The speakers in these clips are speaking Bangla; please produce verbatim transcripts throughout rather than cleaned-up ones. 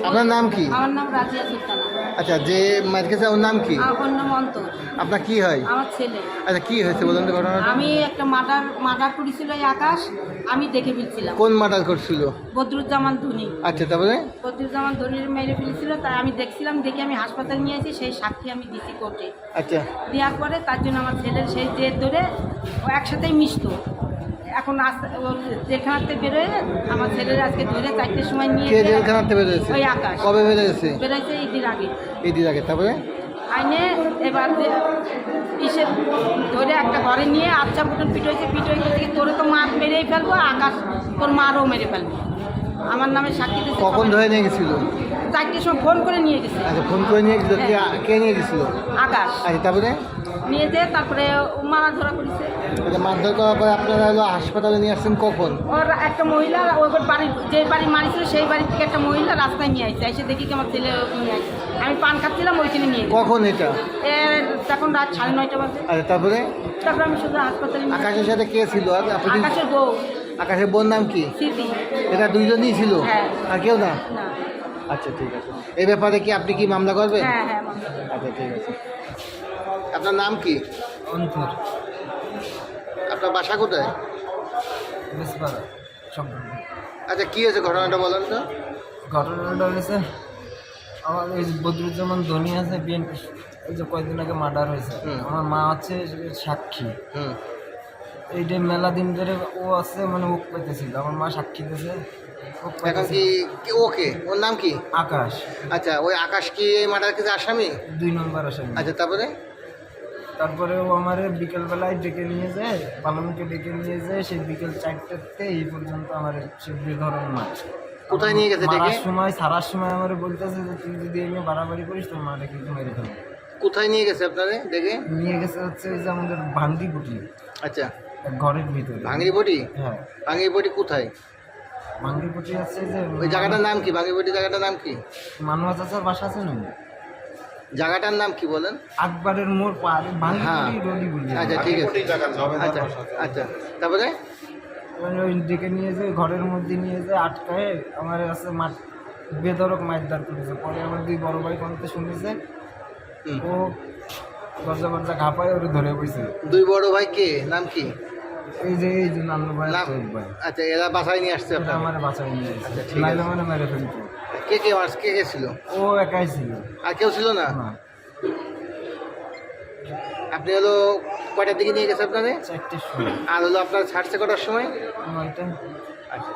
আপনার নাম কি? আমার নাম রাজিয়া সুলতানা। আচ্ছা, যে মার খেয়েছে ওর নাম কি? আমার নাম অন্তর। আপনার কি হয়? আমার ছেলে। আচ্ছা, কি হয়েছে বলুন তো ঘটনাটা? আমি একটা মার্ডার মার্ডার করেছিল এই আকাশ, আমি দেখে ফেলছিলাম। কোন মার্ডার করছিল? বদরুজ্জামান ধনী। আচ্ছা, তারপরে? বদরুজ্জামান ধনীর মেরে ফেলেছিল, তাই আমি দেখছিলাম, দেখে আমি হাসপাতালে নিয়ে এসেছি, সেই সাক্ষী আমি দিছি কোর্টে। আচ্ছা, দেওয়ার পরে তার জন্য আমার ছেলের সেই জেদ ধরে ও একসাথেই মিশত। এখন আস্তে জেলখানাতে বেরোয় আমার ছেলের আজকে ধরে চারটের সময় নিয়ে কে জেলখানাতে বেরোয়েছে? ওই আকাশ। কবে বেরোয়েছে? বেরোয়েছে ঈদের আগে। ঈদের আগে, তারপরে? আইনে এবার ইসে ধরে একটা ঘরে নিয়ে আচ্ছা বুটন পিট হয়েছে, পিট হয়ে গেছে তোরে তো মার মেরেই ফেলবো, আকাশ তোর মারও মেরে ফেলবো। আমার নামে সাক্ষী দিতে। কখন ধরে নিয়ে গেছিল? চারটের সময় ফোন করে নিয়ে গেছে। আচ্ছা, ফোন করে নিয়ে গেছিল। কে কে নিয়ে গেছিল? আকাশ। আচ্ছা, তারপরে? নিয়ে যেয়ে তারপরে মারা ধরা করেছে। আচ্ছা, মারধর করার পরে আপনারা হলো হাসপাতালে নিয়ে আসছেন কখন? ওর একটা মহিলা ওই বাড়ির যে বাড়ি মারিছিল সেই বাড়ি থেকে একটা মহিলা রাস্তায় নিয়ে আসছে, এসে দেখি কি আমার ছেলে নিয়ে আসছে। আমি পান খাচ্ছিলাম, ওইখানে নিয়ে গেছে। কখন এটা? এর তখন রাত সাড়ে নয়টা বাজে। আচ্ছা, তারপরে? তারপরে আমি শুধু হাসপাতালে নিয়ে আকাশের সাথে কে ছিল? আর আপনি? আকাশের বউ আকাশের বোন নাম কি? স্মৃতি। এটা দুইজনই ছিল? হ্যাঁ। আর কেউ না? না। আচ্ছা, ঠিক আছে। এই ব্যাপারে কি আপনি কি মামলা করবেন? হ্যাঁ হ্যাঁ মামলা। আচ্ছা, ঠিক আছে। আপনার নাম কি? অন্তর। আপনার বাসা কোথায়? বেশপাড়া সম্পূর্ণ। আচ্ছা, কি হয়েছে ঘটনাটা বলেন তো? ঘটনাটা হয়েছে আমার এই যে বদরুজ্জামান ধনী আছে বিএনপি, এই যে কয়েকদিন আগে মার্ডার হয়েছে। হুম। আমার মা আছে সাক্ষী। হুম। এইটা মেলা দিন ধরে ও আছে, মানে ওক পাইতেছিল, আমার মা সাক্ষী দিয়েছে। ওক এখন পাইতেছিল। কি কি- ওকে ওর নাম কি? আকাশ আচ্ছা, ওই আকাশ কি এই মার্ডার কেসে আসামি? দুই নম্বর আসে। আচ্ছা, তারপরে? তারপরে ও আমার বিকেলবেলায় ডেকে নিয়ে যায়, পালামুকে ডেকে নিয়ে যায়, সেই বিকেল চারটাতে এই পর্যন্ত আমার সে বেধরন মাছ। কোথায় নিয়ে গেছে ডেকে? মারার সময় সারার সময় আমার বলতেছে যে তুই যদি এই নিয়ে বাড়াবাড়ি করিস তোর মাটা কিন্তু মেরে ফেলবো। কোথায় নিয়ে গেছে আপনারে দেখে? নিয়ে গেছে হচ্ছে ওই যে আমাদের ভাঙ্গি বুটি, আচ্ছা, এক ঘরের ভিতরে। ভাঙড়ি বটি? হ্যাঁ, ভাঙড়ি বটি কোথায়? ভাঙ্গি বুটি আছে যে ওই জায়গাটার নাম কি? ভাঙড়ি বটি জায়গাটার নাম কি? মানুয়া চাচার বাসা আছে না, জায়গাটার নাম কি বলেন? আকবরের মোড় পার ভাঙ্গি হ্যাঁ। বুটি রলি বলি। আচ্ছা, ঠিক আছে। আচ্ছা, আচ্ছা, তারপরে? মানে ওই ডেকে নিয়ে যায় ঘরের মধ্যে নিয়ে যায় আটকায় আমার আছে মাঠ বেধরক মারধর করেছে। পরে আমার দুই বড় ভাই কোনতে শুনেছে, হুম। ও দরজা ফরজা ঘাপায় ওরে ধরে বইছে। দুই বড় ভাই কে? নাম কি? এই যে এই যে নান্নু ভাই নাম? শহীদ ভাই, আচ্ছা, এরা বাসায় নিয়ে আসছে এটা আপনার? আমার বাঁচাই নিয়ে আচ্ছা, গেছে, ঠিক আছে। নাইলে মানে মেরে ফেলতো। কে কে মার কে কে ছিল? ও একাই ছিল আর কেউ ছিল না? না। আপনি হলো কয়টার দিকে নিয়ে গেছে আপনারে? চারটের সময় আর হলো আপনার ছাড়ছে কটার সময়? নয়টা। আচ্ছা,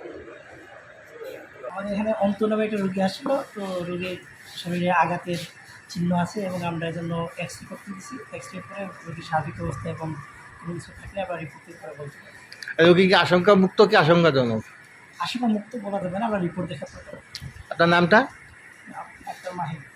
আমাদের এখানে অন্ত নামে একটা রোগী আসলো, তো রোগীর শরীরে আঘাতের চিহ্ন আছে এবং আমরা এই জন্য এক্স রে করতে দিচ্ছি। এক্স রে করে রোগীর স্বাভাবিক অবস্থা এবং কোনো কিছু থাকলে আমরা রিপোর্ট করে বলতে পারি। রোগী কি আশঙ্কা মুক্ত কি আশঙ্কাজনক? আশঙ্কা মুক্ত বলা যাবে না, আমরা রিপোর্ট দেখাতে পারবো। আপনার নামটা? ডাক্তার মাহির।